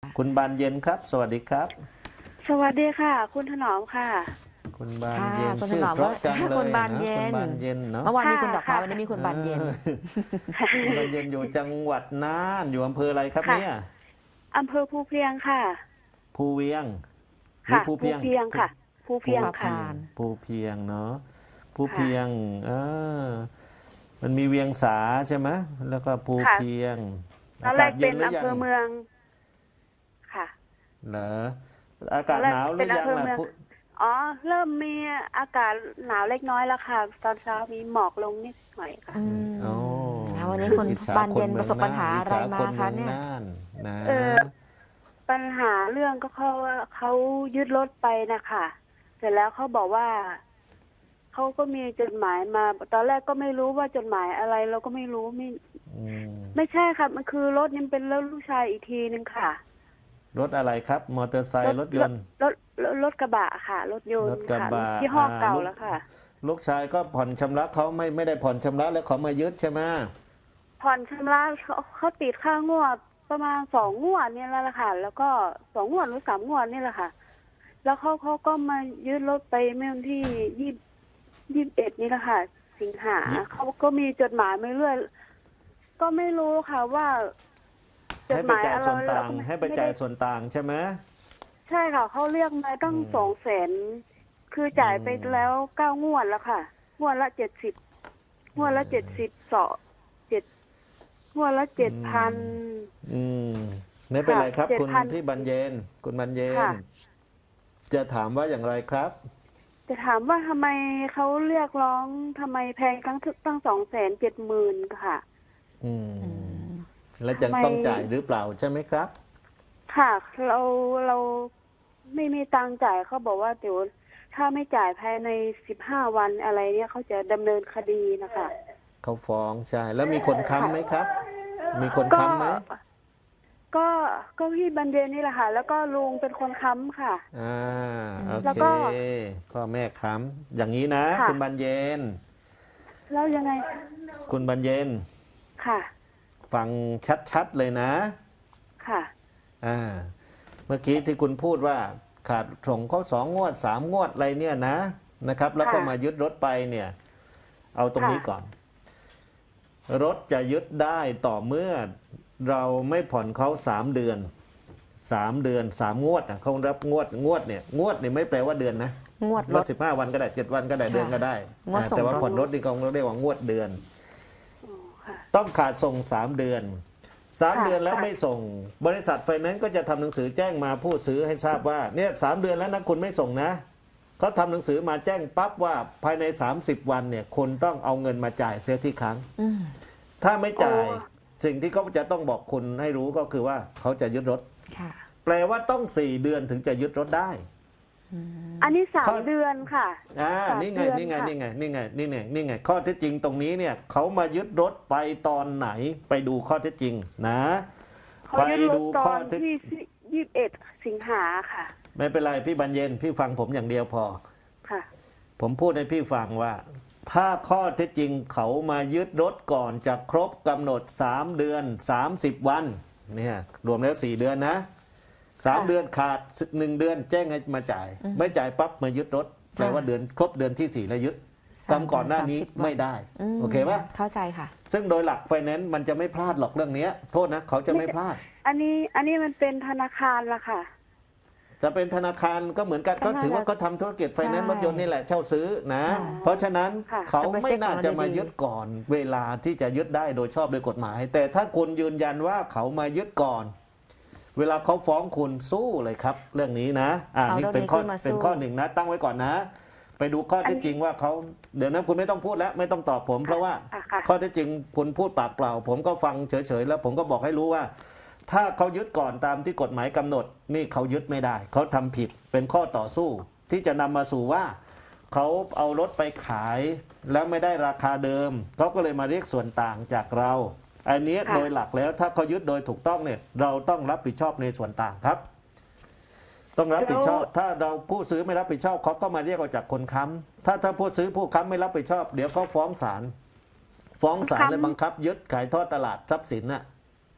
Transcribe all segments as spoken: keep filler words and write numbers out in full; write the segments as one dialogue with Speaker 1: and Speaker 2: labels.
Speaker 1: คุณบานเย็นครับสวัสดีครับ
Speaker 2: สวัสดีค่ะคุณถนอมค่ะ
Speaker 1: คุณบาน
Speaker 3: ค่ะ
Speaker 1: เย็น
Speaker 3: คุณถ
Speaker 1: ชื่อ
Speaker 3: นอม
Speaker 1: เพราะจังเล
Speaker 3: คุ
Speaker 1: ย
Speaker 3: ณบานเย็
Speaker 1: นะคุณ
Speaker 3: น
Speaker 1: บานเย็นเนาะ
Speaker 3: เมื่อวานมีคุณดอกไม้
Speaker 2: ค่ะ
Speaker 3: วันนี้มีคุณบานเย็น
Speaker 1: เออคุณบานเย็นอยู่จังหวัดน่านอยู่อำเภออะไรครับ
Speaker 2: ค่ะ
Speaker 1: เนี่ย
Speaker 2: อำเภอภูเพียงค่ะ
Speaker 1: ภูเวียงหรือ
Speaker 2: ค่ะ
Speaker 1: ภู
Speaker 2: ภู
Speaker 1: เพียง
Speaker 2: เพียงค่ะภู
Speaker 1: ภู
Speaker 2: เพียง
Speaker 3: ภู
Speaker 2: ค่ะ
Speaker 3: พาน
Speaker 1: ภูเพียงเนาะภู
Speaker 2: ค่ะ
Speaker 1: เพียงเออมันมีเวียงสาใช่ไหมแล้วก็ภู
Speaker 2: ค่ะ
Speaker 1: เพียง
Speaker 2: ตอ
Speaker 1: อาน
Speaker 2: แร
Speaker 1: กาศ
Speaker 2: ก
Speaker 1: เย็
Speaker 2: เป็น น
Speaker 1: หรือ
Speaker 2: อำ
Speaker 1: ยั
Speaker 2: เภ
Speaker 1: ง
Speaker 2: อเมืองค่ะ
Speaker 1: เหรออา
Speaker 2: ต
Speaker 1: กา
Speaker 2: อน
Speaker 1: ศ
Speaker 2: แรก
Speaker 1: หนาวห
Speaker 2: เป็
Speaker 1: รือยัง
Speaker 2: นอำเภอ
Speaker 1: ล่ะ
Speaker 2: เมือง
Speaker 1: ภู
Speaker 2: อ๋อเริ่มมีอากาศหนาวเล็กน้อยแล้วค่ะ ตอนเช้ามีหมอกลงนิดหน่อยค่ะ
Speaker 3: อืม
Speaker 1: โอ้
Speaker 3: แล้ววันนี้คุณ
Speaker 1: อิจฉา
Speaker 3: บาน
Speaker 1: ค
Speaker 3: เย็น
Speaker 1: มื
Speaker 3: ป
Speaker 1: อง
Speaker 3: ระสบปัญหา
Speaker 1: อิจ
Speaker 3: อะไร
Speaker 1: ฉา
Speaker 3: มา
Speaker 1: คน
Speaker 3: คะ
Speaker 1: เมือง
Speaker 3: เนี่ย
Speaker 1: น่านนะ
Speaker 2: เออ ปัญหาเรื่องก็เขาว่าเขายึดรถไปนะคะเสร็จแล้วเขาบอกว่าเขาก็มีจดหมายมา ตอนแรกก็ไม่รู้ว่าจดหมายอะไร เราก็ไม่รู้ไม่
Speaker 1: อืม
Speaker 2: ไม่ใช่ค่ะมันคือรถนี่เป็นรถลูกชายอีกทีนึงค่ะ
Speaker 1: รถอะไรครับ มอเตอร์ไซค์รถยนต์
Speaker 2: รถรถรถกระบะค่ะ รถยน
Speaker 1: ร
Speaker 2: ต์
Speaker 1: ถกระ
Speaker 2: ค่ะ
Speaker 1: บะ
Speaker 2: ยี่ห้อเก่า
Speaker 1: ลูก
Speaker 2: แล้วค่ะ
Speaker 1: ลูกชายก็ผ่อนชำระเขาไม่ไม่ได้ผ่อนชำระแล้วเขามายึดใช่ไหม
Speaker 2: ผ่อนชำระเขาเขาติดค่างวดประมาณสองงวดเนี่ยแล้วล่ะค่ะ แล้วก็สองงวดหรือสามงวดนี่แหละค่ะ แล้วเขาเขาก็มายึดรถไปเมื่อวันที่ยี่ยี่สิบเอ็ดนี่แหละค่ะ สิงหาเขาก็มีจดหมายมาเรื่อยก็ไม่รู้ค่ะว่าจด
Speaker 1: ให้
Speaker 2: ห
Speaker 1: ไป
Speaker 2: มาย
Speaker 1: จ่าย
Speaker 2: อะไร
Speaker 1: ส่วนต่าง
Speaker 2: เรก็ม่
Speaker 1: ให้ไป
Speaker 2: ม่
Speaker 1: จ่าย
Speaker 2: ด้
Speaker 1: ส่วนต่างใช่ไหม
Speaker 2: ใช่ค่ะเขาเรียกมาตั้ง
Speaker 1: อืม
Speaker 2: สองแสนคือจ่ายไป
Speaker 1: อืม
Speaker 2: แล้วเก้างวดแล้วค่ะงวดละเจ็ดสิบงวดละเจ็ดสิบสองเจ็ดงวดละเจ็ดพัน
Speaker 1: อืมไม่เป็นไรครับ
Speaker 2: ค่ะ
Speaker 1: คุณ
Speaker 2: เจ็ดพัน
Speaker 1: พี่บรรเย็นคุณบรรเย็น
Speaker 2: ค่ะ
Speaker 1: จะถามว่าอย่างไรครับ
Speaker 2: จะถามว่าทำไมเขาเรียกร้องทำไมแพงตั้งตั้งสองแสนเจ็ดหมื่นค่ะ
Speaker 1: อืม
Speaker 3: อืม
Speaker 1: แล้วจะ
Speaker 2: ทำไม
Speaker 1: ต้องจ่ายหรือเปล่าใช่ไหมครับ
Speaker 2: ค่ะเราเราไม่มีตังค์จ่ายเขาบอกว่าเดี๋ยวถ้าไม่จ่ายภายในสิบห้าวันอะไรเนี่ยเขาจะดำเนินคดีนะคะ
Speaker 1: เขาฟ้องใช่ แล้วมีคนค้ำไหมครับ มีคน
Speaker 2: ก็
Speaker 1: ค้ำไหม
Speaker 2: ก็ก็พี่บรรเย็นนี่แหละค่ะ แล้วก็ลุงเป็นคนค้ำค่ะ
Speaker 1: อ่าโอ
Speaker 2: แล้ว
Speaker 1: เค
Speaker 2: ก็
Speaker 1: พ่อแม่ค้ำอย่างนี้นะ
Speaker 2: ค่ะ
Speaker 1: คุณบรรเย็น
Speaker 2: แล้วยังไง
Speaker 1: คุณบรรเย็น
Speaker 2: ค่ะ
Speaker 1: ฟังชัดๆเลยนะ
Speaker 2: ค่ะ
Speaker 1: อ่าเมื่อกี้ที่คุณพูดว่าขาดส่งเขาสองงวดสามงวดอะไรเนี่ยนะนะครับ แล้วก็
Speaker 2: ค่ะ
Speaker 1: มายึดรถไปเนี่ย เอาตรงนี้
Speaker 2: ค่ะ
Speaker 1: ก่อน รถจะยึดได้ต่อเมื่อเราไม่ผ่อนเขาสามเดือนสามเดือนสามงวดนะเขารับงวดงวดเนี่ยงวดเนี่ยไม่แปลว่าเดือนนะ
Speaker 3: งวด
Speaker 1: ร
Speaker 3: ร
Speaker 1: ถ
Speaker 3: ถ
Speaker 1: สิบห้าวันก็ได้เจ็ดวันก็ได้
Speaker 3: ค่ะ
Speaker 1: เดือนก็ได้
Speaker 3: งวด
Speaker 1: อ่า
Speaker 3: ส่ง
Speaker 1: แต่ว่า
Speaker 3: รถ
Speaker 1: ผ่อนรถนี่เขาเรียกว่างวดเดือน
Speaker 2: อ๋อค่ะ
Speaker 1: ต้องขาดส่งสามเดือนสาม
Speaker 2: ค่ะ
Speaker 1: เดือนแล้ว
Speaker 2: ค่ะ
Speaker 1: ไม่ส่ง บริษัทไฟแนนซ์ก็จะทำหนังสือแจ้งมาผู้ซื้อให้ทราบว่าเนี่ยสามเดือนแล้วนะคุณไม่ส่งนะเขาทำหนังสือมาแจ้งปั๊บว่าภายในสามสิบวันเนี่ยคุณต้องเอาเงินมาจ่ายเสียที่ครั้ง
Speaker 3: อืม
Speaker 1: ถ้าไม่จ่าย
Speaker 2: อ๋อ
Speaker 1: สิ่งที่เขาจะต้องบอกคุณให้รู้ก็คือว่าเขาจะยึดรถ
Speaker 3: ค่ะ
Speaker 1: แปลว่าต้องสี่เดือนถึงจะยึดรถได้
Speaker 3: อืม
Speaker 2: อันนี้สา
Speaker 1: ข้
Speaker 2: ม
Speaker 1: อ
Speaker 2: เดือนค่ะ
Speaker 1: อ่า
Speaker 2: สาม
Speaker 1: นี่ไง
Speaker 2: เดือน
Speaker 1: นี่ไง
Speaker 2: ค่ะ
Speaker 1: นี่ไงนี่ไงนี่ไงนี่ไงข้อเท็จจริงตรงนี้เนี่ยเขามายึดรถไปตอนไหนไปดูข้อเท็จจริงนะ
Speaker 2: เขา
Speaker 1: ไป
Speaker 2: ยึดร
Speaker 1: ดู
Speaker 2: ถต
Speaker 1: ข้
Speaker 2: อ
Speaker 1: อน เท็จ
Speaker 2: ที่ยี่สิบเอ็ดสิงหาค่ะ
Speaker 1: ไม่เป็นไรพี่บรรเย็นพี่ฟังผมอย่างเดียวพอ
Speaker 2: ค่ะ
Speaker 1: ผมพูดให้พี่ฟังว่า ถ้าข้อเท็จจริงเขามายึดรถก่อนจะครบกำหนดสามเดือนสามสิบวันเนี่ยรวมแล้วสี่เดือนนะสาม
Speaker 2: ค่ะ
Speaker 1: เดือนขาดหนึ่งเดือนแจ้งให้มาจ่าย
Speaker 3: อืม
Speaker 1: ไม่จ่ายปั๊บมายึดรถแปลว่าเดือนครบเดือนที่สี่แล้วยึด
Speaker 3: สาม
Speaker 1: ทำก่อนหน้านี้
Speaker 3: สามสิบวัน
Speaker 1: ไม่ได้
Speaker 3: ม
Speaker 1: โอเคปะ
Speaker 3: เข้าใจค่ะ
Speaker 1: ซึ่งโดยหลักไฟแนนซ์มันจะไม่พลาดหรอกเรื่องเนี้ยโทษนะเขาจะไม่พลาด
Speaker 2: อันนี้อันนี้มันเป็นธนาคารละค่ะ
Speaker 1: จะเป็นธนาคารก็เหมือนกัน
Speaker 3: ก็
Speaker 1: ก็
Speaker 3: น่า
Speaker 1: ถือว่า
Speaker 3: จะ
Speaker 1: ก็ทำธุรกิจไฟแนนซ์
Speaker 3: ใช่
Speaker 1: รถยนต์นี่แหละเช่าซื้อนะ
Speaker 3: ค่ะ
Speaker 1: เพราะฉะนั้น
Speaker 2: ค่ะ
Speaker 1: เขาไม่น่าจะมา
Speaker 3: จะไปเช็คของเราดีๆ
Speaker 1: ยึดก่อน เวลาที่จะยึดได้โดยชอบโดยกฎหมาย แต่ถ้าคุณยืนยันว่าเขามายึดก่อน เวลาเขาฟ้องคุณสู้เลยครับ เรื่องนี้นะอ่า
Speaker 3: เอา
Speaker 1: นี่
Speaker 3: เรื่อง
Speaker 1: เป็น
Speaker 3: นี้
Speaker 1: ข้อ
Speaker 3: ขึ้นมาสู้
Speaker 1: เป็นข้อหนึ่งนะ ตั้งไว้ก่อนนะ ไปดูข้อเท็จจริงว่าเขาเดี๋ยวนั้นคุณไม่ต้องพูดแล้ว ไม่ต้องตอบผม เพราะว่า
Speaker 2: อ่ะค่ะ
Speaker 1: ข้อเท็จจริงคุณพูดปากเปล่า ผมก็ฟังเฉยๆแล้วผมก็บอกให้รู้ว่า ถ้าเขายึดก่อนตามที่กฎหมายกำหนด นี่เขายึดไม่ได้ เขาทำผิดเป็นข้อต่อสู้ ที่จะนำมาสู่ว่า เขาเอารถไปขายแล้วไม่ได้ราคาเดิมเขาก็เลยมาเรียกส่วนต่างจากเรา อันนี้
Speaker 2: ค่ะ
Speaker 1: โดยหลักแล้วถ้าเขายึดโดยถูกต้องเนี่ยเราต้องรับผิดชอบในส่วนต่างครับ ต้องรับผิดชอบ ถ้าเราผู้ซื้อไม่รับผิดชอบเขาก็มาเรียกเอาจากคนค้ำถ้าถ้าผู้ซื้อผู้ค้ำไม่รับผิดชอบ เดี๋ยวเขาฟ้องศาลฟ้องศาล
Speaker 2: ค้ำ
Speaker 1: และบังคับ ยึดขายทอดตลาดทรัพย์สินน่ะ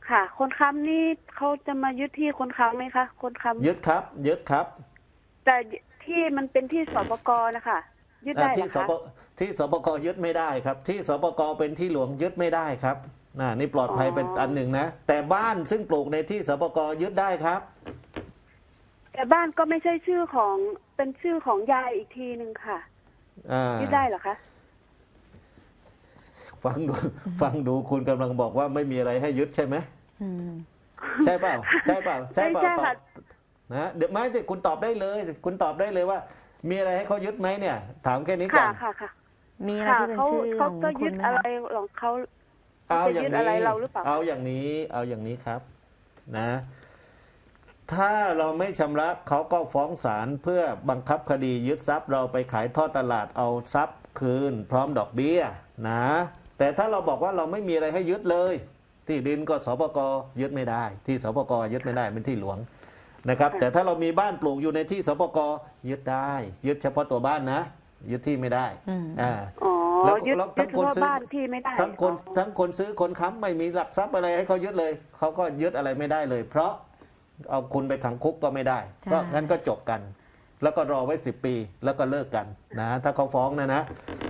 Speaker 2: ค่ะ คนค้ำนี่เขาจะมายึดที่คนค้ำไหมคะคนค้ำ
Speaker 1: ยึดครับยึดครับ
Speaker 2: แต่ที่มันเป็นที่สปกนะคะยึดได้
Speaker 1: อ่า
Speaker 2: เหร
Speaker 1: ที่
Speaker 2: อ
Speaker 1: ส
Speaker 2: คะ
Speaker 1: ปที่สปกยึดไม่ได้ครับ ที่สปกเป็นที่หลวงยึดไม่ได้ครับอ่านี่ปลอดภัยเป็นอันหนึ่งนะแต่บ้านซึ่งปลูกในที่สปกยึดได้ครับ
Speaker 2: แต่บ้านก็ไม่ใช่ชื่อของเป็นชื่อของยายอีกทีหนึ่งค่ะ
Speaker 1: อ่า
Speaker 2: ยึดได้เหรอคะ
Speaker 1: ฟังดูฟังดูคุณกำลังบอกว่าไม่มีอะไรให้ยึดใช่ไหม
Speaker 3: อืม
Speaker 1: ใช่เปล่าใช่เปล่าใช่เปล่า
Speaker 2: ไม่ใช่
Speaker 1: ตอ
Speaker 2: ค่ะ
Speaker 1: บนะเดี๋ยวไม่แต่คุณตอบได้เลย คุณตอบได้เลยว่า มีอะไรให้เขายึดไหมเนี่ย ถามแค่นี้ก่อ
Speaker 2: ค่ะ
Speaker 1: น
Speaker 2: ค่ะค่ะ
Speaker 3: มีอะไร
Speaker 2: ค่ะ
Speaker 3: ที่เป็น
Speaker 2: เขา
Speaker 3: ชื่อข
Speaker 2: เขา
Speaker 3: อง
Speaker 2: ก็
Speaker 3: คุ
Speaker 2: ยึ
Speaker 3: ณ
Speaker 2: ด
Speaker 3: ไหม
Speaker 2: อะไร
Speaker 3: คะ
Speaker 2: ของเขา
Speaker 1: เอาอย่าง
Speaker 2: จะยึดอะไร
Speaker 1: นี้
Speaker 2: เราหรือเปล่า
Speaker 1: เอาอย่างนี้เอาอย่างนี้ครับนะ ถ้าเราไม่ชำระเขาก็ฟ้องศาลเพื่อบังคับคดียึดทรัพย์เราไปขายทอดตลาดเอาทรัพย์คืน พร้อมดอกเบี้ยนะแต่ถ้าเราบอกว่าเราไม่มีอะไรให้ยึดเลย ที่ดินก็สปกยึดไม่ได้ ที่สปกยึดไม่ได้เป็นที่หลวงนะครับ
Speaker 2: ค่ะ
Speaker 1: แต่ถ้าเรามีบ้านปลูกอยู่ในที่สปกยึดได้ ยึดเฉพาะตัวบ้านนะ ยึดที่ไม่ได้
Speaker 3: อืม
Speaker 1: อ่า
Speaker 2: อ๋อ
Speaker 1: แล้ว
Speaker 2: ยึด
Speaker 1: แล้ว
Speaker 2: ยึ
Speaker 1: ทั้
Speaker 2: ด
Speaker 1: ง
Speaker 2: เฉ
Speaker 1: คน
Speaker 2: พาะ
Speaker 1: ซื้อ
Speaker 2: บ้านที่ไม่ได้
Speaker 1: ทั้งคน
Speaker 2: อ๋อ
Speaker 1: ทั้งคนซื้อคนค้ำไม่มีหลักทรัพย์อะไรให้เขายึดเลยเขาก็ยึดอะไรไม่ได้เลย เพราะเอาคุณไปขังคุกก็ไม่ได้
Speaker 3: ใช่
Speaker 1: ก็งั้นก็จบกัน แล้วก็รอไว้สิบปีแล้วก็เลิกกันนะถ้าเขาฟ้องนะนะ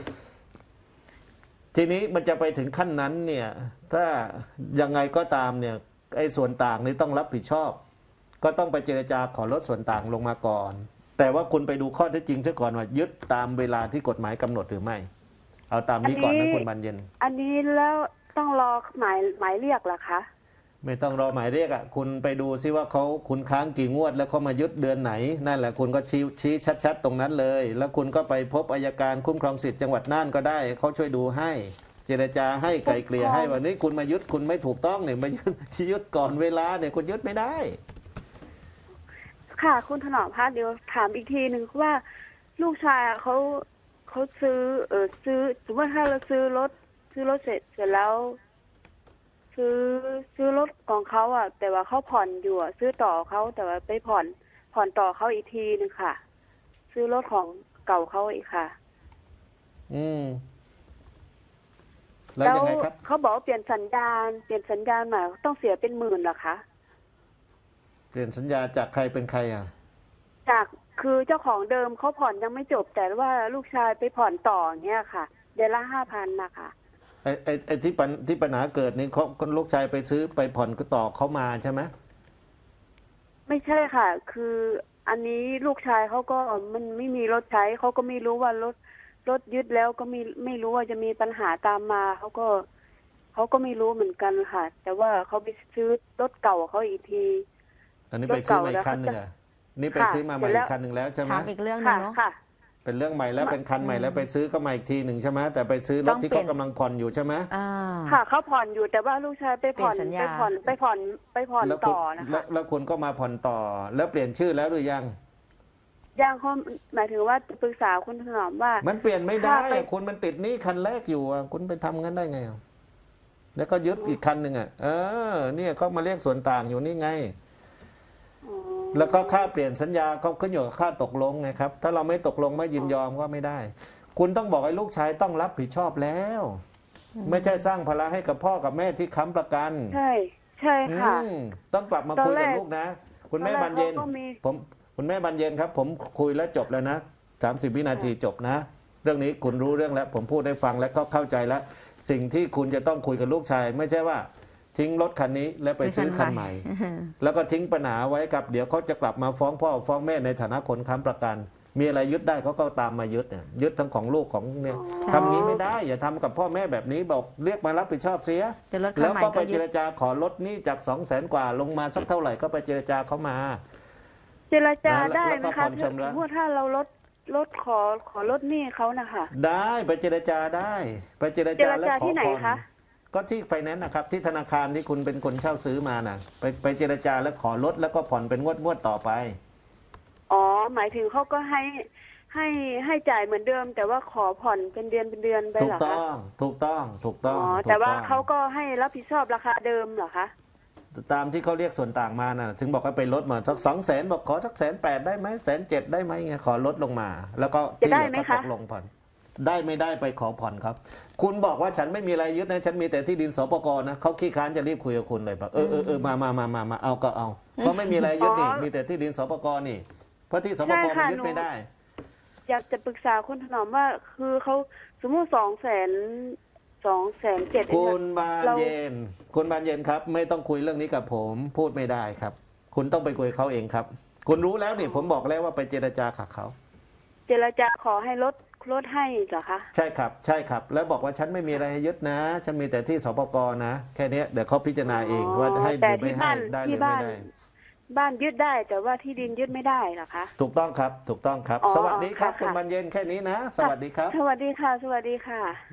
Speaker 1: ทีนี้มันจะไปถึงขั้นนั้นเนี่ย ถ้ายังไงก็ตามเนี่ยไอ้ส่วนต่างนี่ต้องรับผิดชอบ ก็ต้องไปเจรจาขอลดส่วนต่างลงมาก่อน แต่ว่าคุณไปดูข้อเท็จจริงซะก่อนว่ายึดตามเวลาที่กฎหมายกำหนดหรือไม่ เอาตามนี้ก่อนนะคุณบานเย็น
Speaker 2: อันนี้แล้วต้องรอหมายหมายเรียกเหรอคะ
Speaker 1: ไม่ต้องรอหมายเรียกอ่ะคุณไปดูซิว่าเขาคุณค้างกี่งวด แล้วเขามายึดเดือนไหน นั่นแหละคุณก็ชี้ชี้ชัดๆ ตรงนั้นเลย แล้วคุณก็ไปพบอัยการคุ้มครองสิทธิ์จังหวัดน่านก็ได้เขาช่วยดูให้ เจรจาให้ไกลเกลี่ยให้วันนี้คุณมายึดคุณไม่ถูกต้องเนี่ยมายึดยึดก่อนเวลาเนี่ยคุณยึดไม่ได้
Speaker 2: ค่ะ คุณถนอมพัฒน์เดี๋ยวถามอีกทีหนึ่งว่า ลูกชายอะเขาเขาซื้อ เออซื้อสมมติถ้าเราซื้อรถซื้อรถเสร็จเสร็จแล้ว ซื้อซื้อรถของเขาอ่ะ แต่ว่าเขาผ่อนอยู่อ่ะซื้อต่อเขาแต่ว่าไปผ่อนผ่อนต่อเขาอีกทีหนึงค่ะ ซื้อรถของเก่าเขาอีกค่ะ
Speaker 1: อืมแล้วยังไงครับ
Speaker 2: เขาบอกว่าเปลี่ยนสัญญาณเปลี่ยนสัญญาณใหม่ต้องเสียเป็นหมื่นเหรอคะ
Speaker 1: เปลี่ยนสัญญาจากใครเป็นใครอ่ะ
Speaker 2: จากคือเจ้าของเดิมเขาผ่อนยังไม่จบ แต่ว่าลูกชายไปผ่อนต่อเงี้ยค่ะ เดือนละห้าพันนะคะ
Speaker 1: ไอ้ไอ้ไอ้ที่ปัญที่ปัญหาเกิดนี่เขาลูกชายไปซื้อไปผ่อนก็ต่อเขามาใช่ไหม
Speaker 2: ไม่ใช่ค่ะ คืออันนี้ลูกชายเขาก็มันไม่มีรถใช้เขาก็ไม่รู้ว่ารถรถยึดแล้วก็ไม่ไม่รู้ว่าจะมีปัญหาตามมาเขาก็เขาก็ไม่รู้เหมือนกันค่ะ แต่ว่าเขาไปซื้อรถเก่าเขาอีกที
Speaker 1: อันนี้ไปซื้อมาอีกคันหนึ่งอ่ะนี่ไป
Speaker 2: ค่ะ
Speaker 1: ซื้อมาใหม่
Speaker 2: เสร็จแล้
Speaker 1: อี
Speaker 2: ว
Speaker 1: กคันหนึ่งแล้วใช่ไหม
Speaker 3: ถามอีกเรื่องหนึ
Speaker 2: ค่ะ
Speaker 3: งเนาะ
Speaker 2: ค่ะ
Speaker 1: เป็นเรื่องใหม่แล้วเป็นคันใหม่แล้วไปซื้อก็มาอีกทีหนึ่งใช่ไหมแต่ไปซื้อร
Speaker 3: ต้
Speaker 1: ถ
Speaker 3: อง
Speaker 1: ที่
Speaker 3: เปลี่
Speaker 1: เขา
Speaker 3: ยน
Speaker 1: กำลังผ่อนอยู่ใช่ไหม
Speaker 3: อ่า
Speaker 2: ค่ะเขาผ่อนอยู่แต่ว่าลูกชายไปผ่อน
Speaker 3: เปลี่ยนสัญญา
Speaker 2: ไปผ่อนไปผ่อนไปผ่อน
Speaker 1: แล้วคุณ
Speaker 2: ต่อนะ
Speaker 1: แล้
Speaker 2: คะ
Speaker 1: วแล้วคุณก็มาผ่อนต่อ แล้วเปลี่ยนชื่อแล้วหรือยัง
Speaker 2: ยังเขาหมายถึงว่าจะปรึกษาคุณถนอมว่า
Speaker 1: มันเปลี่ยนไม่ได้
Speaker 2: ถ้าไป
Speaker 1: อะคุณมันติดหนี้คันแรกอยู่อะคุณไปทำงั้นได้ไงอะแล้วก็ยึดอีกคันหนึ่งอ่ะเออเนี่ยเขามาเรียกส่วนต่างอยู่นี่ไง
Speaker 2: อ๋อ
Speaker 1: แล้วก็ค่าเปลี่ยนสัญญาเขาขึ้นอยู่กับค่าตกลงไงครับ ถ้าเราไม่ตกลงไม่ยินยอมก็ไม่ได้ คุณต้องบอกให้ลูกชายต้องรับผิดชอบแล้ว ไม่ใช่สร้างภาระให้กับพ่อกับแม่ที่ค้ำประกัน
Speaker 2: ใช่ใช่ค่ะ
Speaker 1: อืมต้องกลับมา
Speaker 2: ตอน
Speaker 1: คุยกับ
Speaker 2: แรก
Speaker 1: ลูกนะ คุณแม่
Speaker 2: ตอนแรก
Speaker 1: บานเย็น
Speaker 2: เขาก็มี
Speaker 1: ผมคุณแม่บานเย็นครับ ผมคุยแล้วจบแล้วนะสามสิบวินาทีจบนะ เรื่องนี้คุณรู้เรื่องแล้ว ผมพูดได้ฟังแล้วก็เข้าใจแล้ว สิ่งที่คุณจะต้องคุยกับลูกชาย ไม่ใช่ว่า ทิ้งรถคันนี้แล้วไปซื้อคันใหม่ แล้วก็ทิ้งปัญหาไว้กับเดี๋ยวเขาจะกลับมาฟ้องพ่อฟ้องแม่ในฐานะคนค้ำประกัน มีอะไรยึดได้เขาก็ตามมายึดเนี่ยยึดทั้งของลูกของเนี่ย
Speaker 2: อ๋อ
Speaker 1: ทำงี้ไม่ได้ อย่าทำกับพ่อแม่แบบนี้บอกเรียกมารับผิดชอบเสีย
Speaker 3: จะลด
Speaker 1: แล้
Speaker 3: ค่าว ใหม่
Speaker 1: ก็ไป
Speaker 3: ก็
Speaker 1: เจ
Speaker 3: ยึ
Speaker 1: ร
Speaker 3: ด
Speaker 1: จาขอลดหนี้จากสองแสนกว่าลงมาสักเท่าไหร่ก็ไปเจรจาเขามา
Speaker 2: เจรจา
Speaker 1: นะแล้ว
Speaker 2: ได้
Speaker 1: แล้ว
Speaker 2: ไหม
Speaker 1: ก็
Speaker 2: คะ
Speaker 1: ผ่อนชำระ
Speaker 2: สมมติถ้าเราลดลดขอขอลดหนี้เขานะคะ
Speaker 1: ได้ไปเจรจาได้ ไปเจร
Speaker 2: เจ
Speaker 1: จาร แล้ว
Speaker 2: จา
Speaker 1: ขอ
Speaker 2: ที่ไหน
Speaker 1: ผ่อน
Speaker 2: คะ
Speaker 1: ก็ที่ไฟแนนซ์นะครับที่ธนาคารที่คุณเป็นคนเช่าซื้อมาน่ะ ไปไปเจรจาแล้วขอลดแล้วก็ผ่อนเป็นงวดงวดต่อไป
Speaker 2: อ๋อหมายถึงเขาก็ให้ให้ให้จ่ายเหมือนเดิม แต่ว่าขอผ่อนเป็นเดือนเป็นเดือนไป
Speaker 1: ถู
Speaker 2: เห
Speaker 1: ก
Speaker 2: รอ
Speaker 1: ต้
Speaker 2: คะ
Speaker 1: องถูกต้องถูกต้อง
Speaker 2: อ๋อ
Speaker 1: ถูก
Speaker 2: แต่ว่า
Speaker 1: ต้อง
Speaker 2: เขาก็ให้รับผิดชอบราคาเดิมเหรอคะ
Speaker 1: ตามที่เขาเรียกส่วนต่างมาน่ะ ถึงบอกว่าไปลดมาสักสองแสนบอกขอสักแสนแปดได้ไหมแสนเจ็ดได้ไหมไงขอลดลงมา แล้วก็ที่เหลือก็ตกลงผ่อนได้ไม่ได้ไปขอผ่อนครับ คุณบอกว่าฉันไม่มีอะไรยึดนะฉันมีแต่ที่ดินสปกนะเขาขี้คร้านจะรีบคุยกับคุณเลยแบบเออเออเออมามามามามาเอาก็เอาเพราะไม่มีอะไรยึดนี่
Speaker 2: อ๋อ
Speaker 1: มีแต่ที่ดินสปกนี่เพราะที่สป
Speaker 2: ใช่
Speaker 1: ก
Speaker 2: ค่ะ
Speaker 1: มันยึด
Speaker 2: หนู
Speaker 1: ไม่ได้
Speaker 2: อยากจะปรึกษาคุณถนอมว่าคือเขาสมมติสองแสนสองแสนเจ็ด
Speaker 1: คุณบาน
Speaker 2: เรา
Speaker 1: เย็น คุณบานเย็นครับ ไม่ต้องคุยเรื่องนี้กับผม พูดไม่ได้ครับ คุณต้องไปคุยกับเขาเองครับ คุณรู้แล้วนี่ผมบอกแล้วว่าไปเจรจากับเขา
Speaker 2: เจรจาขอให้ลดลดให้เหรอคะ
Speaker 1: ใช่ครับ ใช่ครับ แล้วบอกว่าฉันไม่มีอะไรให้ยึดนะฉันมีแต่ที่สปกนะ แค่เนี้ยเดี๋ยวเขาพิจารณาเองว่าจะให้
Speaker 2: แต่
Speaker 1: หรือไม่
Speaker 2: ที่
Speaker 1: ให้
Speaker 2: บ้าน
Speaker 1: ได้หรื
Speaker 2: ที่
Speaker 1: อไม่
Speaker 2: บ้าน
Speaker 1: ได้
Speaker 2: บ้านยึดได้แต่ว่าที่ดินยึดไม่ได้เหรอคะ
Speaker 1: ถูกต้องครับ ถูกต้องครับ
Speaker 2: อ๋อ
Speaker 1: สวัสดีครับ
Speaker 2: ค่ะ
Speaker 1: คุณบานเย็นแค่นี้นะ สวัสดีครับ
Speaker 2: สวัสดีค่ะ สวัสดีค่ะ